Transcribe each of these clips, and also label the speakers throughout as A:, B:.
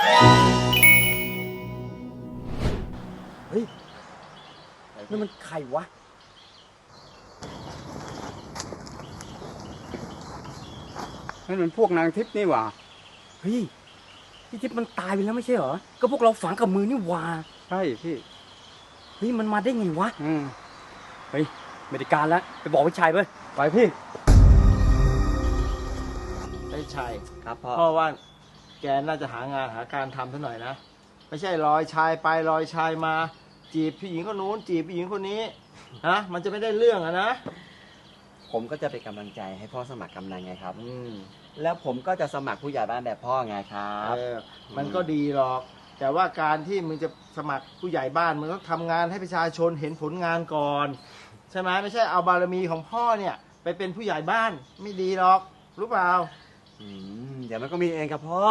A: เฮ้ยนี่มันใครวะ
B: นั่นมันพวกนางทิพย์นี่หว่า
A: เฮ้ยพี่ทิพย์มันตายไปแล้วไม่ใช่เหรอก็พวกเราฝังกับมือนี่หว่า
B: ใช่พี่
A: เฮ้ยมันมาได้ไงวะเฮ้ยไม่ได้การแล้วไปบอกพี่ชายไปพี่
C: ไอ้ชัยครับพ่อว่าแกน่าจะหางานหาการทำซะหน่อยนะไม่ใช่ลอยชายไปลอยชายมาจีบผู้หญิงคนนู้นจีบผู้หญิงคนนี้นะมันจะไม่ได้เรื่องอะนะ
D: ผมก็จะเป็นกำลังใจให้พ่อสมัครกำนันไงครับแล้วผมก็จะสมัครผู้ใหญ่บ้านแบบพ่อไงครับ
C: มันก็ดีหรอกแต่ว่าการที่มึงจะสมัครผู้ใหญ่บ้านมึงต้องทำงานให้ประชาชนเห็นผลงานก่อนใช่ไหมไม่ใช่เอาบารมีของพ่อเนี่ยไปเป็นผู้ใหญ่บ้านไม่ดีหรอกรู้เปล่า
D: เดี๋ยวมันก็มีเองครับพ่อ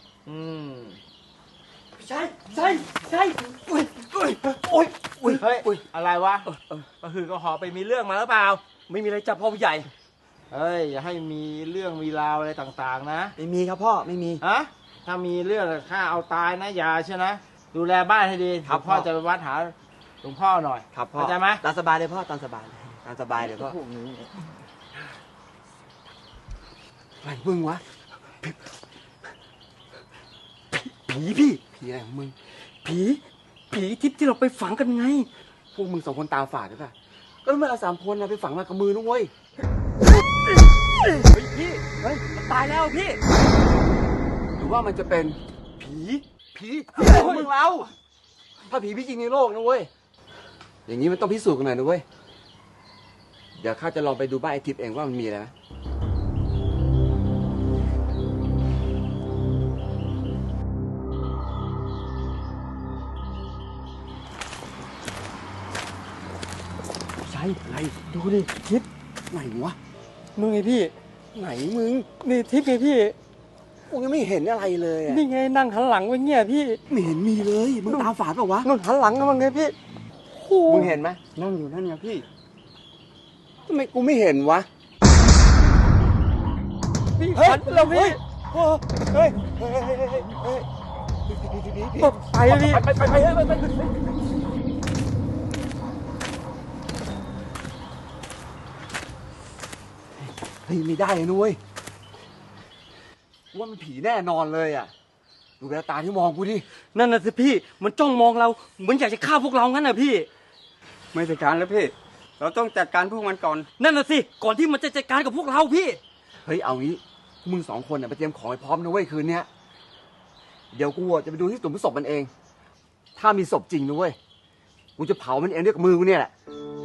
A: ใช่อุ้ย
C: เฮ้ยอะไรวะก็คือก็หอไปมีเรื่องมาหรือเปล่า
A: ไม่มีอะไรจับพ่อผู้ใหญ่
C: เฮ้ยอย่าให้มีเรื่องมีราวอะไรต่างๆนะ
D: ไม่มีครับพ่อไม่มี
C: ฮะถ้ามีเรื่องข้าเอาตายนะอย่าใช่นะดูแลบ้านให้ดีครับพ่อจะไปวัดหาหลวงพ่อหน่อย
D: ครับพ่อ
C: เข้าใจไหม
D: ตามสบายเลยพ่อตามสบายเลยพ่ออะไรมึงวะผีอะไรของมึง
A: ผีทิพย์ที่เราไปฝังกันไง
D: พวกมึงสองคนตาฝาดหรือเปล่าก็เมื่อเรา3 คนไปฝังมากับมือนุ้งเว้ย
A: พี่มันตายแล้วพี่
D: หรือว่ามันจะเป็นผีของมึงเราถ้าผีพี่จริงในโลกนะเว้ยอย่างนี้มันต้องพิสูจน์กันหน่อยนะเว้ยเดี๋ยวข้าจะลองไปดูบ้านไอ้ทิพย์เองว่ามันมีอะไรไหม
A: ไหนดูดิทิพย์
D: ไหนวะ
A: มึงไงพี่
D: ไหนมึง
A: นี่ทิพย์ไงพี่
D: กูยังไม่เห็นอะไรเลย
A: นี่ไงนั่งหันหลังไว้เงี้ยพี่
D: ไม่เห็นมีเลยมึงตาฝาดเปล่าวะ
A: มึงหันหลังกันมั้งไงพี่
D: มึงเห็นไหม
B: นั่งอยู่นั่นไงพี่
D: ทำไมกูไม่เห็นวะ
A: หันแล้วพี่
D: เฮ้ย
A: ไป
D: ไม่ได้นุ้ยว่ามันผีแน่นอนเลยอ่ะดูแววตาที่มองกูดิ
A: นั่นน่ะสิพี่มันจ้องมองเราเหมือนอยากจะฆ่าพวกเรางั้นน่ะพี่
B: ไม่จัดการแล้วพี่เราต้องจัดการพวกมันก่อน
A: นั่นน่ะสิก่อนที่มันจะจัดการกับพวกเราพี่
D: เฮ้ยเอางี้มึง2 คนไปเตรียมของให้พร้อมนะเว้ยคืนนี้เดี๋ยวกูจะไปดูที่ตุ่มศพมันเองถ้ามีศพจริงนะเว้ยกูจะเผามันเองด้วยมือกูเนี่ยแหละ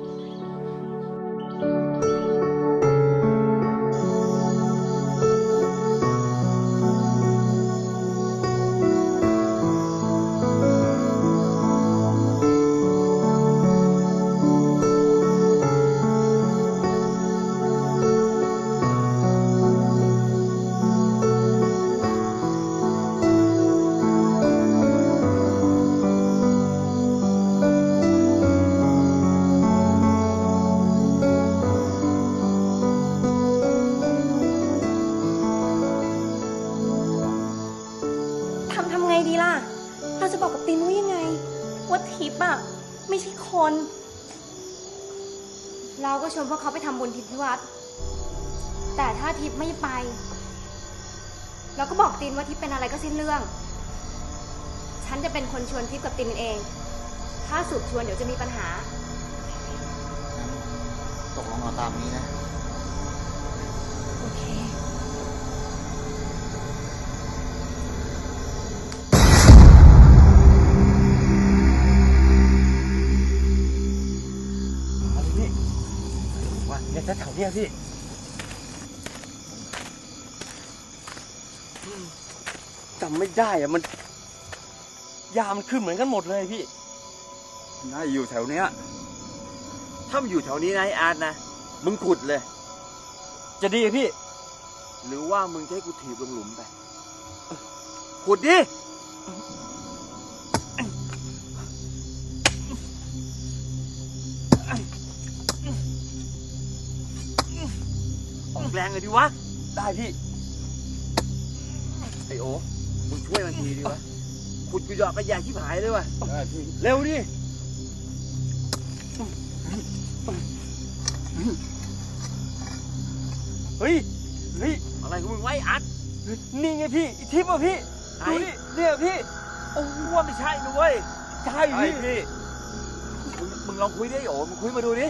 E: ทำไงดีล่ะเราจะบอกกับตินว่ายังไงว่าทิพย์อะไม่ใช่คนเราก็ชวนพวกเขาไปทำบุญทิพย์ที่วัดแต่ถ้าทิพย์ไม่ไปเราก็บอกตินว่าทิพย์เป็นอะไรก็สิ้นเรื่องฉันจะเป็นคนชวนทิพย์กับตินเองถ้าสุดชวนเดี๋ยวจะมีปัญหา
C: ตกลงเอาตามนี้นะ
E: โอเค
A: เนี่ยแถวเนี้ยพี่จำไม่ได้อะมันยามันขึ้นเหมือนกันหมดเลยพี่
B: น่าอยู่แถวเนี้ย
D: ถ้ามันอยู่แถวนี้นะไอ้อาร์ตนะมึงขุดเลย
A: จะดีพี่
D: หรือว่ามึงจะให้กูถีบลงหลุมไปขุดดิแรงเลยดิวะ
A: ได้พี่
D: ไอโอมึงช่วยมันทีดิวะขุดกุยอกกระยาที่หายเลยว่ะ
A: เร็วดิ เฮ้ย เฮ้ย
D: อะไรของมึงไว้อัด
A: นี่ไงพี่อีทิพย์อ่ะพี่
D: ไหน
A: ดูนี่เนี่ยพี่ โอ้ว่าไม่ใช่นะเว้ย ใช่
D: ไอ้
A: พี่
D: พี่มึงลองคุยดิโอ้มึงคุยมาดูดิ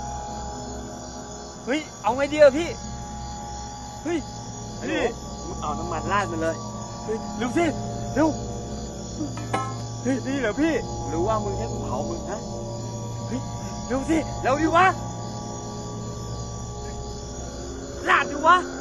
A: เฮ้ย เอาไงดีอะพี่ เฮ้ย
D: ไอ้หนูมึงเอาน้ำมันราดมันเลย
A: เฮ้ยเร็วสิ เร็ว เฮ้ย นี่เหรอพี่
D: หรือว่ามึงให้กูเผามึงฮะ
A: เฮ้ย เร็วสิ เร็วดิวะลาดดิวะ